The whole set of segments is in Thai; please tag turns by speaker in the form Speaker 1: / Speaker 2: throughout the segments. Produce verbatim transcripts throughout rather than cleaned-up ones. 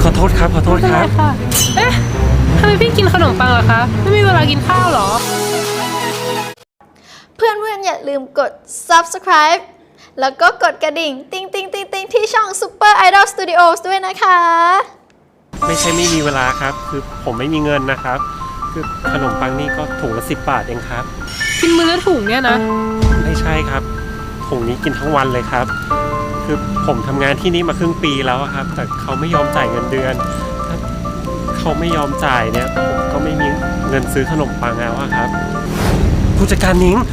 Speaker 1: ขอโทษครับขอโทษครับ
Speaker 2: ค่ะเอ๊ะทำไมพี่กินขนมปังเหรอคะไม่มีเวลากินข้าวหรอ
Speaker 3: เพื่อนๆอย่าลืมกด ซับสไครบ์ แล้วก็กดกระดิ่ง ติ๊งติ๊งติ๊งติ๊งที่ช่อง ซูเปอร์ ไอดอล สตูดิโอส ด้วยนะคะ
Speaker 1: ไม่ใช่ไม่มีเวลาครับคือผมไม่มีเงินนะครับคือขนมปังนี่ก็ถุงละสิบบาทเองครับ
Speaker 2: กินมื้อละถุงเนี่ยนะ
Speaker 1: ไม่ใช่ครับถุงนี้กินทั้งวันเลยครับคือผมทำงานที่นี่มาครึ่งปีแล้วครับแต่เขาไม่ยอมจ่ายเงินเดือนถ้าเขาไม่ยอมจ่ายเนี่ยผมก็ไม่มีเงินซื้อขนมปังแล้วครับผู้จัดการนิ้ง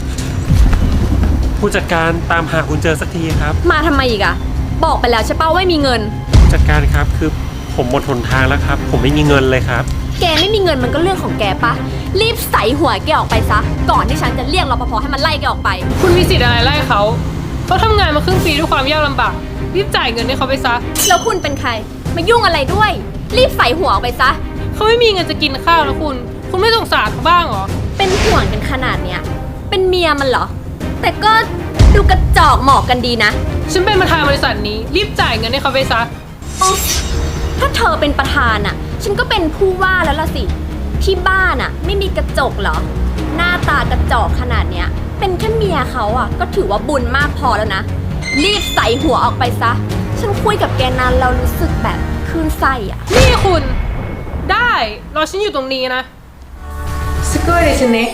Speaker 1: ผู้จัดการตามหาคุณเจอสักทีครับ
Speaker 4: มาทำไมอีกอะบอกไปแล้วใช่ป่าว่าไม่มีเงิน
Speaker 1: ผู้จัดการครับคือผมหมดหนทางแล้วครับผมไม่มีเงินเลยครับ
Speaker 4: แกไม่มีเงินมันก็เรื่องของแกปะรีบใส่หัวแกออกไปซะก่อนที่ฉันจะเรียกรปภให้มันไล่แกออกไป
Speaker 2: คุณมีสิทธิ์อะไรไล่เขาเขาทำงานมาครึ่งปีด้วยความยากลำบากรีบจ่ายเงินให้เขาไปซะ
Speaker 4: แล้วคุณเป็นใครมายุ่งอะไรด้วยรีบใส่หัวออกไปซะ
Speaker 2: เขาไม่มีเงินจะกินข้าวแล้วคุณคุณไม่สงสารเขาบ้างเหรอ
Speaker 4: เป็นห่วงกันขนาดเนี้ยเป็นเมียมันเหรอแต่ก็ดูกระจอกเหมาะกันดีนะ
Speaker 2: ฉันเป็นประธานบริษัทนี้รีบจ่ายเงินให้เขาไปซะ
Speaker 4: ถ้าเธอเป็นประธานอ่ะฉันก็เป็นผู้ว่าแล้วล่ะสิที่บ้านอ่ะไม่มีกระจกเหรอหน้าตากระจอกขนาดเนี้ยเป็นแค่เมียเขาอ่ะก็ถือว่าบุญมากพอแล้วนะรีบใส่หัวออกไปซะฉันคุยกับแกนานเรารู้สึกแบบคลื่นไส้อ่ะ
Speaker 2: นี่คุณได้รอฉันอยู่ตรงนี้นะสกู๊ดดิฉันเน่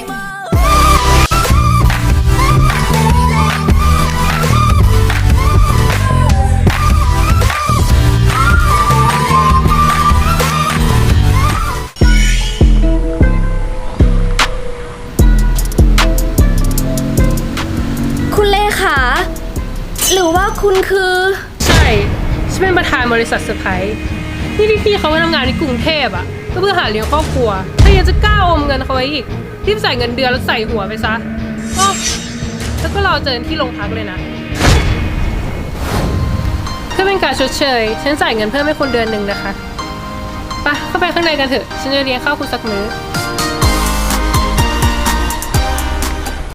Speaker 4: หรือว่าคุณคือ
Speaker 2: ใช่ฉันเป็นประธานบริษัทเซอร์ไพรส์นี่พี่ๆเขามาทำงานที่กรุงเทพอ่ะก็เพื่อหาเลี้ยงครอบครัวถ้ายังจะกล้าอมเงินเขาไว้อีกรีบใส่เงินเดือนแล้วใส่หัวไปซะอ๋อแล้วก็รอเจอที่โรงพักเลยนะเพื่อเป็นการชดเชยฉันจ่ายเงินเพิ่มให้คนเดือนหนึ่งนะคะไปเข้าไปข้างในกันเถอะฉันจะเลี้ยงข้าวคุณสักมื้อ